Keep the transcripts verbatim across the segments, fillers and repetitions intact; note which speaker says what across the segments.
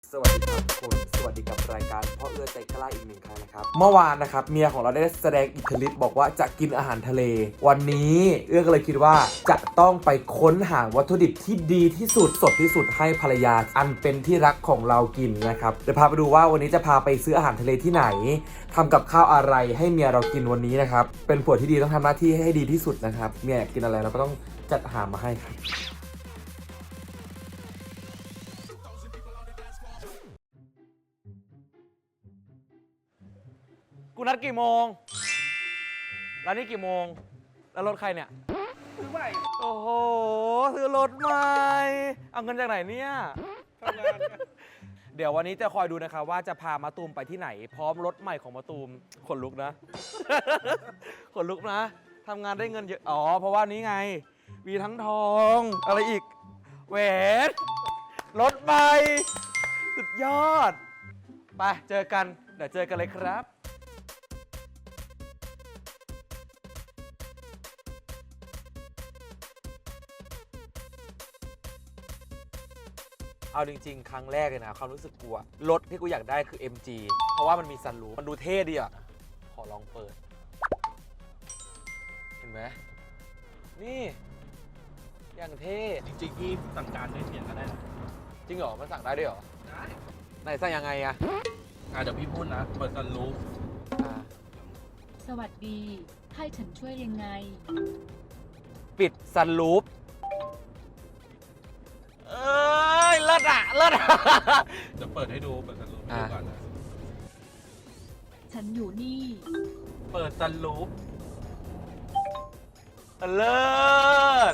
Speaker 1: สวัสดีครับทุกคนสวัสดีกับรายการพ่อเอื้อใจกล้าอีกหนึ่งครั้งนะครับเมื่อวานนะครับเมียของเราได้แสดงอิทธิฤทธิ์บอกว่าจะกินอาหารทะเลวันนี้เอื้อก็เลยคิดว่าจะต้องไปค้นหาวัตถุดิบที่ดีที่สุดสดที่สุดให้ภรรยาอันเป็นที่รักของเรากินนะครับเดี๋ยวพาไปดูว่าวันนี้จะพาไปซื้ออาหารทะเลที่ไหนทำกับข้าวอะไรให้เมียเรากินวันนี้นะครับเป็นผัวที่ดีต้องทำหน้าที่ให้ดีที่สุดนะครับเมียอยากกินอะไรเราก็ต้องจัดหามาให้ครับกูนัดกี่โมงร้านนี้กี่โมงแล้วรถใครเนี่ยซื้อใหม่โอ้โหซื้อรถใหม่เอาเงินจากไหนเนี่ยทำงานเดี๋ยววันนี้จะคอยดูนะครับว่าจะพามาตูมไปที่ไหนพร้อมรถใหม่ของมาตูมขนลุกนะ ขนลุกนะทำงานได้เงินเยอะอ๋อเพราะว่านี้ไงมีทั้งทองอะไรอีกแหวนรถใหม่สุดยอดไปเจอกันเดี๋ยวเจอกันเลยครับเอาจริงๆครั้งแรกเลยนะความรู้สึกกลัวรถที่กูอยากได้คือ เอ็ม จี เพราะว่ามันมีซันรูฟมันดูเท่ดีอ่ะขอลองเปิดเห็นไหมนี่อย่างเท่
Speaker 2: จริงๆพี่สั่งการด้วยเสียงก็ได้นะ
Speaker 1: จริงเหรอมันสั่งได้ด้วยเหรอ
Speaker 2: ได้
Speaker 1: ไหนสั่งยังไงอะ
Speaker 2: อ่ะเดี๋ยวพี่พูดนะเปิดซันรูฟ
Speaker 3: สวัสดีให้ฉันช่วยยังไง
Speaker 1: ปิดซันรูฟเอ้ยเลิศอะเลิศอะ
Speaker 2: เดี๋ยวเปิดให้ดูเปิดซันรูฟให้ดูก่อนนะ
Speaker 3: ฉันอยู่นี่
Speaker 2: เปิดซันรูฟ
Speaker 1: เลิศ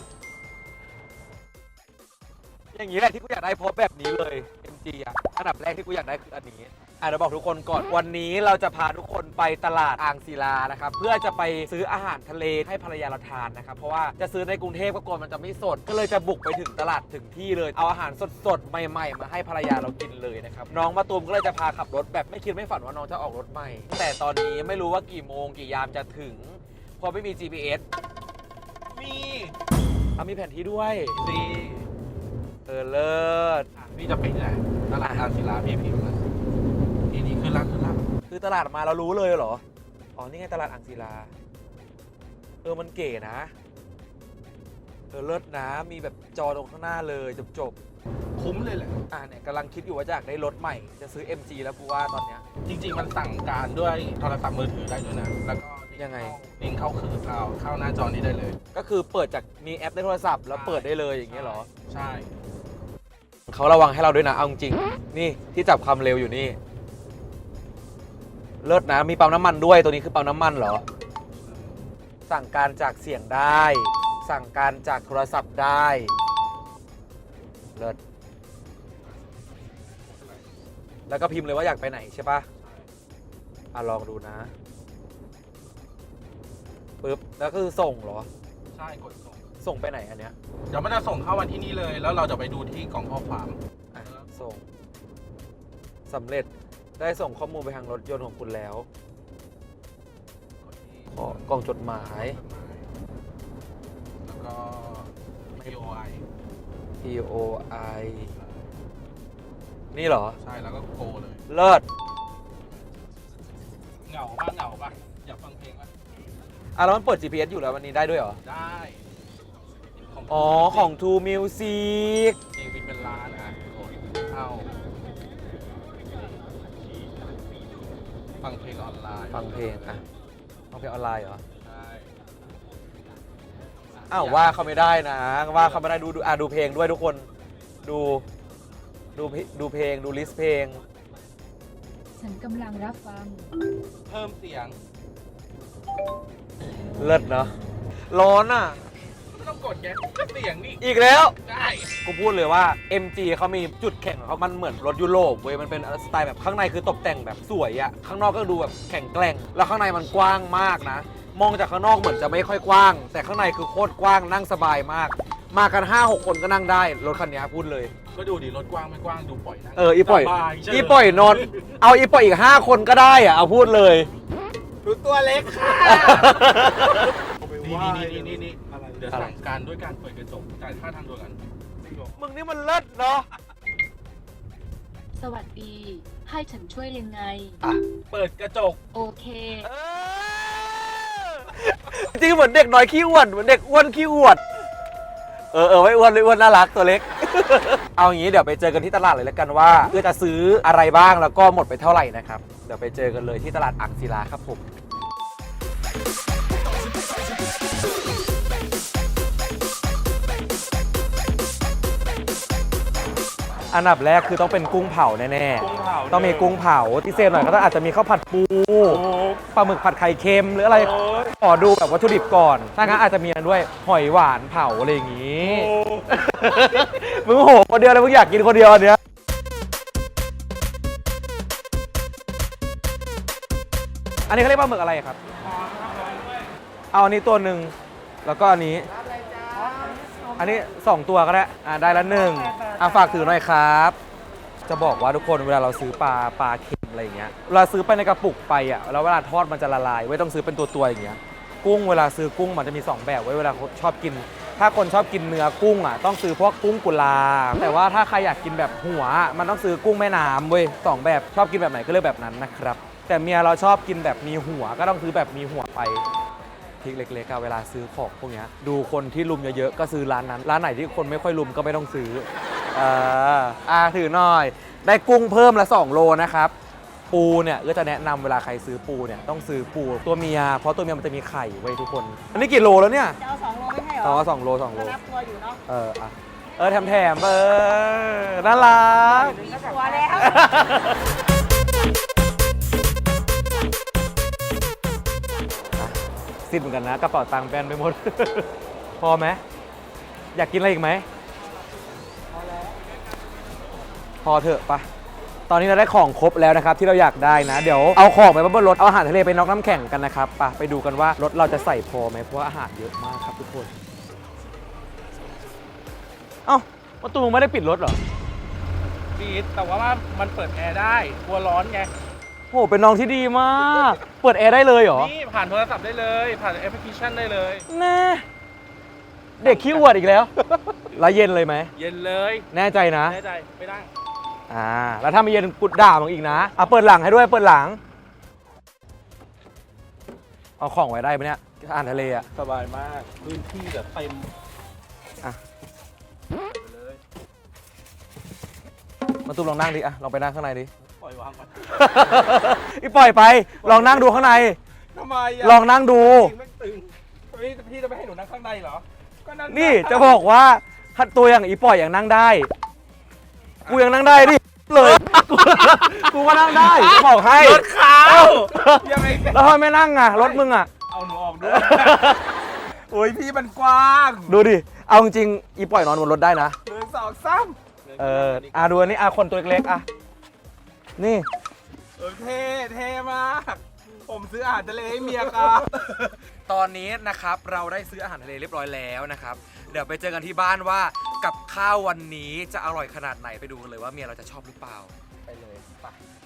Speaker 1: อย่างนี้แหละที่กูอยากได้เพราะแบบนี้เลย เอ็ม จี อ่ะอันดับแรกที่กูอยากได้คืออันนี้อ่ะเดี๋ยวบอกทุกคนก่อนวันนี้เราจะพาทุกคนไปตลาดอ่างศิลานะครับเพื่อจะไปซื้ออาหารทะเลให้ภรรยาเราทานนะครับเพราะว่าจะซื้อในกรุงเทพก็กลัวมันจะไม่สดก็เลยจะบุกไปถึงตลาดถึงที่เลยเอาอาหารสดๆใหม่ๆมาให้ภรรยาเรากินเลยนะครับน้องมะตูมก็เลยจะพาขับรถแบบไม่คิดไม่ฝันว่าน้องจะออกรถใหม่แต่ตอนนี้ไม่รู้ว่ากี่โมงกี่ยามจะถึงเพราะไม่มี จี พี เอส
Speaker 2: มี
Speaker 1: เอามีแผนที่ด้วย
Speaker 2: ซี
Speaker 1: เออเลิศ
Speaker 2: พี่จะไปไหนตลาดอ่างศิลาพี่พิมพ์นะทีนี้คือร้านคือร้าน
Speaker 1: คือตลาดมาเรารู้เลยเหรออ๋อนี่ไงตลาดอ่างศิลาเออมันเก๋นะเออเลิศนะมีแบบจอตรงข้างหน้าเลยจบ
Speaker 2: ๆคุ้มเลยแหละ
Speaker 1: อ่าเนี่ยกำลังคิดอยู่ว่าจะอยากได้รถใหม่จะซื้อ เอ็ม จี แล้วกูว่าตอนเนี้ย
Speaker 2: จริงๆมันสั่งการด้วยโทรศัพท์มือถือได้ด้วยนะแล้วก็
Speaker 1: ยังไง
Speaker 2: ลิงก์เข้าคือเข้าเข้าหน้าจอนี้ได้เลย
Speaker 1: ก็คือเปิดจากมีแอปในโทรศัพท์แล้วเปิดได้เลยอย่างเงี้ยเหรอ
Speaker 2: ใช่
Speaker 1: เขาระวังให้เราด้วยนะเอาจริงนี่ที่จับความเร็วอยู่นี่เลิศนะมีปั๊มน้ำมันด้วยตัวนี้คือปั๊มน้ำมันเหรอสั่งการจากเสียงได้สั่งการจากโทรศัพท์ได้เลิศแล้วก็พิมพ์เลยว่าอยากไปไหนใช่ปะอ่ะลองดูนะปึ๊บแล้วคือส่งเหรอ
Speaker 2: ใช่กดส่ง
Speaker 1: ส่งไปไหนอันเนี้ย
Speaker 2: เดี๋ยวมันจะส่งเข้าวันที่นี่เลยแล้วเราจะไปดูที่กล่องข้อความ
Speaker 1: อ่ะส่งสำเร็จได้ส่งข้อมูลไปทางรถยนต์ของคุณแล้วขอกล่องจดหมาย
Speaker 2: แล้วก็ พี โอ ไอ
Speaker 1: พี โอ ไอ นี่เหรอ
Speaker 2: ใช่แล้วก็โกเลย
Speaker 1: เลิศ
Speaker 2: เหงาป่ะเหงาป่ะอยากฟังเพลงป่ะ
Speaker 1: อ่ะแล้วมันเปิด จี พี เอส อยู่แล้ววันนี้ได้ด้วยเหรอ
Speaker 2: ได้
Speaker 1: อ๋อของ ทู Music
Speaker 2: จริงๆเป็นร้านอ่ะเข้าฟังเพลงออนไลน์
Speaker 1: ฟังเพลงอ่ะฟังเพลงออนไลน์เหรอ
Speaker 2: ใช่
Speaker 1: อ้าวว่าเขาไม่ได้นะว่าเขาไม่ได้ดูดูอ่ะดูเพลงด้วยทุกคนดูดูดูเพลงดูลิสต์เพลง
Speaker 3: ฉันกำลังรับฟัง
Speaker 2: เพิ่มเสียง
Speaker 1: เลิศเนาะร้อนอ่ะ
Speaker 2: ไม่ต้องกดแกก็เสียงนี่
Speaker 1: อีกแล้ว
Speaker 2: ได้
Speaker 1: กูพูดเลยว่า เอ็ม จี เขามีจุดแข็งของเขามันเหมือนรถยุโรปเว้ยมันเป็นสไตล์แบบข้างในคือตกแต่งแบบสวยอะข้างนอกก็ดูแบบแข็งแกร่งแล้วข้างในมันกว้างมากนะมองจากข้างนอกเหมือนจะไม่ค่อยกว้างแต่ข้างในคือโคตรกว้างนั่งสบายมากมากัน ห้าหก คนก็นั่งได้รถคันนี้พูดเลย
Speaker 2: ก็ดูดิรถกว้างไม่กว้างดูปล่อยนะ
Speaker 1: เอออีปล่อยอีปล่อยนอนเอาอีปล่อยอีกห้าคนก็ได้อะเอาพูดเลย
Speaker 2: ดูตัวเล็กค่ะนี่นี่นี่นี่นี่เดี๋ยวสั่งการด้วยการเปิดกระจกจ่ายค่าทางด่วนกัน
Speaker 1: มึงนี่มันเลิศเนาะ
Speaker 3: สวัสดี ให้ฉันช่วยยังไง
Speaker 1: อ่ะ
Speaker 2: เปิดกระจก
Speaker 3: โอเค
Speaker 1: จริงเหมือนเด็กน้อยขี้อ้วนเหมือนเด็กอ้วนขี้อวด เออเออไม่อ้วนไม่อ้วนน่ารักตัวเล็ก เอาอย่างนี้เดี๋ยวไปเจอกันที่ตลาดเลยแล้วกันว่าเพื่อจะซื้ออะไรบ้างแล้วก็หมดไปเท่าไหร่นะครับเดี๋ยวไปเจอกันเลยที่ตลาดอ่างศิลาครับผมอันดับแรกคือต้องเป็นกุ้งเผาแน่
Speaker 2: กุ้งเผา
Speaker 1: ๆต้องมีกุ้งเผาที่เซฟหน่อยก็ต้องอาจจะมีข้าวผัดปูปลาหมึกผัดไข่เค็มหรืออะไรขอดูแบบวัตถุดิบก่อนถ้างั้นอาจจะมีอันด้วยหอยหวานเผาอะไรอย่างงี้ มึงโหคนเดียวเลยมึงอยากกินคนเดียวอันเนี้ยอันนี้เขาเรียกปลาหมึกอะไรครับเอาอันนี้ตัวหนึ่งแล้วก็อันนี้อันนี้สองตัวก็ได้อ่าได้ละหนึ่งอ่ะฝากถือหน่อยครับ จะบอกว่าทุกคนเวลาเราซื้อปลาปลาเค็มอะไรอย่างเงี้ยเวลาซื้อไปในกระปุกไปอ่ะแล้วเวลาทอดมันจะละลายไว้ต้องซื้อเป็นตัวๆอย่างเงี้ยกุ้งเวลาซื้อกุ้งมันจะมีสองแบบไว้เวลาชอบกิน ถ้าคนชอบกินเนื้อกุ้งอ่ะต้องซื้อพวกกุ้งกุลาแต่ว่าถ้าใครอยากกินแบบหัวมันต้องซื้อกุ้งแม่น้ำเว้ยสองแบบชอบกินแบบไหนก็เลือกแบบนั้นนะครับแต่เมียเราชอบกินแบบมีหัวก็ต้องซื้อแบบมีหัวไปทริคเล็กๆเวลาซื้อของพวกนี้ดูคนที่ลุมเยอะๆก็ซื้อร้านนั้นร้านไหนที่คนไม่ค่อยลุมก็ไม่ต้องซื้อเอออ่าถือหน่อยได้กุ้งเพิ่มละสองโลนะครับปูเนี่ยก็จะแนะนำเวลาใครซื้อปูเนี่ยต้องซื้อปูตัวเมียเพราะตัวเมียมันจะมีไข่ไว้ทุกคนอันนี้กี่โลแล้วเนี่ย
Speaker 4: จะเอาสองโลไม่ใช่เหรอ
Speaker 1: อ๋อสองโลสองโล
Speaker 4: ก็นับตัวอยู่เนาะ
Speaker 1: เอออ่ะเออแถมแถมเออน่ารัก
Speaker 4: มีตัวแล้ว
Speaker 1: สิ้นเหมือนกันนะกระเป๋าตังค์แบนไปหมด พอไหมอยากกินอะไรอีกไหมพอแล้วพอเถอะปะตอนนี้เราได้ของครบแล้วนะครับที่เราอยากได้นะเดี๋ยวเอาของไปบนรถเอาอาหารทะเลไปน็อกน้ำแข็งกันนะครับไปไปดูกันว่ารถเราจะใส่พอไหมเพราะว่าอาหารเยอะมากครับทุกคนเอ้าประตูมึงไม่ได้ปิดรถเหรอ
Speaker 2: ดีแต่ว่ามันเปิดแอร์ได้กลัวร้อนไง
Speaker 1: โหเป็นน้องที่ดีมาก เปิดแอร์ได้เลยเหรอ
Speaker 2: นี่ผ่านโทรศัพท์ได้เลย ผ่านแอปพลิเคชันได้เลย
Speaker 1: แน่เด็กขี้อวดอีกแล้ว แล้วเย็นเลยไหม
Speaker 2: เย็นเลย
Speaker 1: แน่ใจนะ
Speaker 2: แน่ใจไม่ได้
Speaker 1: อ่า แล้วถ้าไม่เย็นกุดด่ามึงอีกนะอ่ะเปิดหลังให้ด้วย เปิดหลัง เอาของไว้ได้ไหมเนี่ยอ่านทะเลอ่ะ
Speaker 2: สบายมากพื้นที่แบบเต็ม
Speaker 1: อ่ะ
Speaker 2: ไปเลย
Speaker 1: มาตุ้มลองนั่งดิ อ่ะ ลองไปนั่งข้างในดิ
Speaker 2: ปล่อยวางไว้
Speaker 1: อีปล่อยไป ลองนั่งดูข้างใน
Speaker 2: ทำไมอ่ะ
Speaker 1: ลองนั่งดู
Speaker 2: จริงไม่ตึงพี่พี่จะไม่ให้หนูนั่งข้างในเหรอก็นั่ง
Speaker 1: นี่จะบอกว่าตัวอย่างอีปล่อยอย่างนั่งได้ กูยังนั่งได้ดิ เลย กูก็นั่งได้จะบอกให้
Speaker 2: รถเขา
Speaker 1: เอ้า
Speaker 2: ยังไง
Speaker 1: แล้วทำไมไม่นั่งอ่ะ รถมึงอ่ะ
Speaker 2: เอาหนูออกด้วย โอ้ยพี่มันกว้าง
Speaker 1: ดูดิ เอาจริงๆอีปล่อยนอนบนรถได้นะ
Speaker 2: หนึ่งสองสาม
Speaker 1: เอออ่ะดูอันนี้อ่ะคนตัวเล็กๆอ่ะ นี่
Speaker 2: เออเท่เท่มาก ผมซื้ออาหารทะเลให้เมียครับ
Speaker 1: ตอนนี้นะครับเราได้ซื้ออาหารทะเลเรียบร้อยแล้วนะครับ เดี๋ยวไปเจอกันที่บ้านว่ากับข้าววันนี้จะอร่อยขนาดไหนไปดูกันเลยว่าเมียเราจะชอบหรือเปล่า ไปเลยไป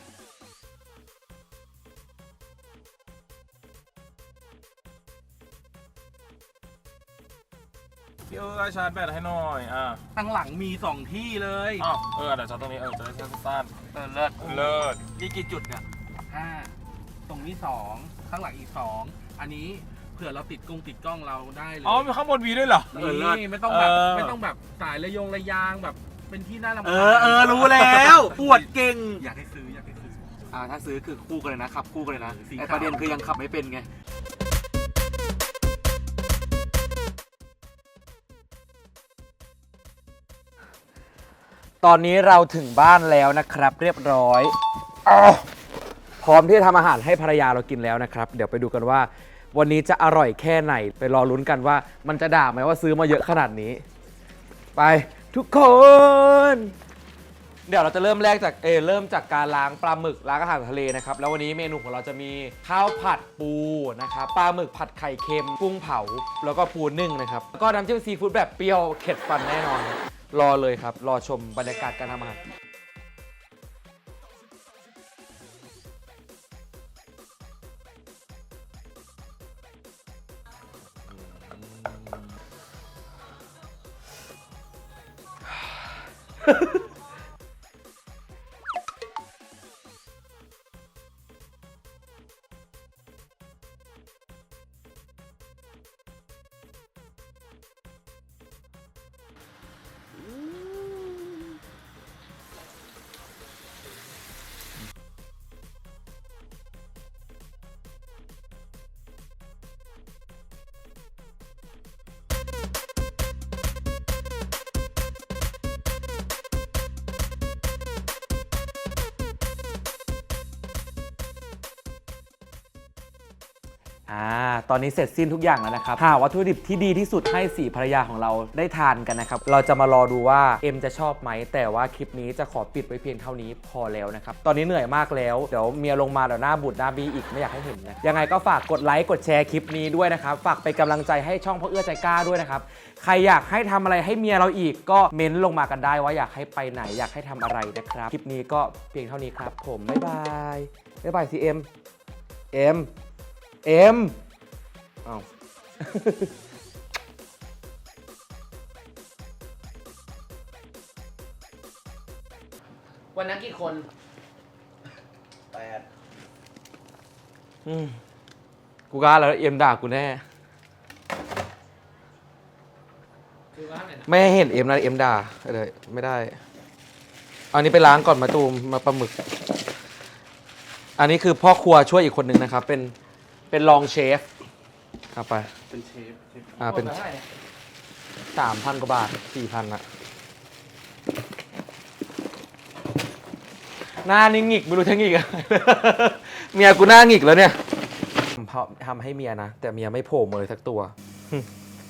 Speaker 2: พี่เออชาร์จแบตให้หน่อย อ่ะ
Speaker 5: ข้างหลังมีสองที่เลย
Speaker 2: อ้าวเออเดี๋ยวชาร์จตรงนี้ เออจะได้สั้น
Speaker 5: เออเลิศ
Speaker 2: ๆเลิศ
Speaker 1: มีกี่จุดเนี่ย
Speaker 5: ห้าตรงนี้สองข้างหลังอีกสองอันนี้เผื่อเราติดกล้องติดกล้องเราได้เลย
Speaker 2: อ๋อ มีข้างบนวีด้วยเหรอ
Speaker 5: นี่ไม่ต้องแบบ
Speaker 2: เออ
Speaker 5: ไม่ต้องแบบสายระยงระยางแบบเป็นที่น่ารำคาญ
Speaker 1: เออเออรู้แล้ว ปวดเก่ง
Speaker 5: อยากให้ซื้ออยากให้ซื้อ
Speaker 1: อ่าถ้าซื้อคือคู่กันเลยนะขับคู่กันเลยนะ
Speaker 5: สี
Speaker 1: แต่
Speaker 5: ขาว
Speaker 1: ประเด็นคือยังขับไม่เป็นไง ตอนนี้เราถึงบ้านแล้วนะครับเรียบร้อยอ้าวพร้อมที่จะทำอาหารให้ภรรยาเรากินแล้วนะครับ เดี๋ยวไปดูกันว่า วันนี้จะอร่อยแค่ไหน ไปรอลุ้นกันว่ามันจะด่าไหมว่าซื้อมาเยอะขนาดนี้ ไปทุกคน เดี๋ยวเราจะเริ่มแรกจากเออเริ่มจากการล้างปลาหมึกล้างอาหารทะเลนะครับแล้ววันนี้เมนูของเราจะมีข้าวผัดปูนะครับปลาหมึกผัดไข่เค็มกุ้งเผาแล้วก็ปูนึ่งนะครับแล้วก็น้ำจิ้มซีฟู้ดแบบเปรี้ยวเข็ดฟันแน่นอน รอเลยครับรอชมบรรยากาศการทำอาหารอ่าตอนนี้เสร็จสิ้นทุกอย่างแล้วนะครับหาวัตถุดิบที่ดีที่สุดให้สี่ภรรยาของเราได้ทานกันนะครับเราจะมารอดูว่าเอ็มจะชอบไหมแต่ว่าคลิปนี้จะขอปิดไว้เพียงเท่านี้พอแล้วนะครับตอนนี้เหนื่อยมากแล้วเดี๋ยวเมียลงมาเดี๋ยวหน้าบูดหน้าบีอีกไม่อยากให้เห็นนะยังไงก็ฝากกดไลค์กดแชร์คลิปนี้ด้วยนะครับฝากเป็นกำลังใจให้ช่องพ่อเอื้อใจกล้าด้วยนะครับใครอยากให้ทำอะไรให้เมียเราอีกก็เม้นลงมากันได้ว่าอยากให้ไปไหนอยากให้ทำอะไรนะครับคลิปนี้ก็เพียงเท่านี้ครับผมบ๊ายบายบ๊ายบายซีเอ็มเอ็มเอ็มอ้าว
Speaker 2: วันนั้นกี่คน
Speaker 5: แปด
Speaker 1: อืมกูกล้าแล้วเอ็มด่ากูแน่
Speaker 2: คือว่าไงนะ
Speaker 1: ไม่ให้เห็นเอ็มนะเอ็มด่าเลยไม่ได้อันนี้ไปล้างก่อนมาตูมมาปลาหมึก อันนี้คือพ่อครัวช่วยอีกคนหนึ่งนะครับ เป็นเป็นรองเชฟเอาไป
Speaker 5: เป็นเชฟเชฟ
Speaker 1: อ่าเป็นสามพันกว่าบาทสี่พันอะหน้านี่หงิกไม่รู้จะหงิกอะไร เมียกูหน้าหงิกแล้วเนี่ยทำให้เมียนะ แต่เมียไม่โผล่มาเลยสักตัว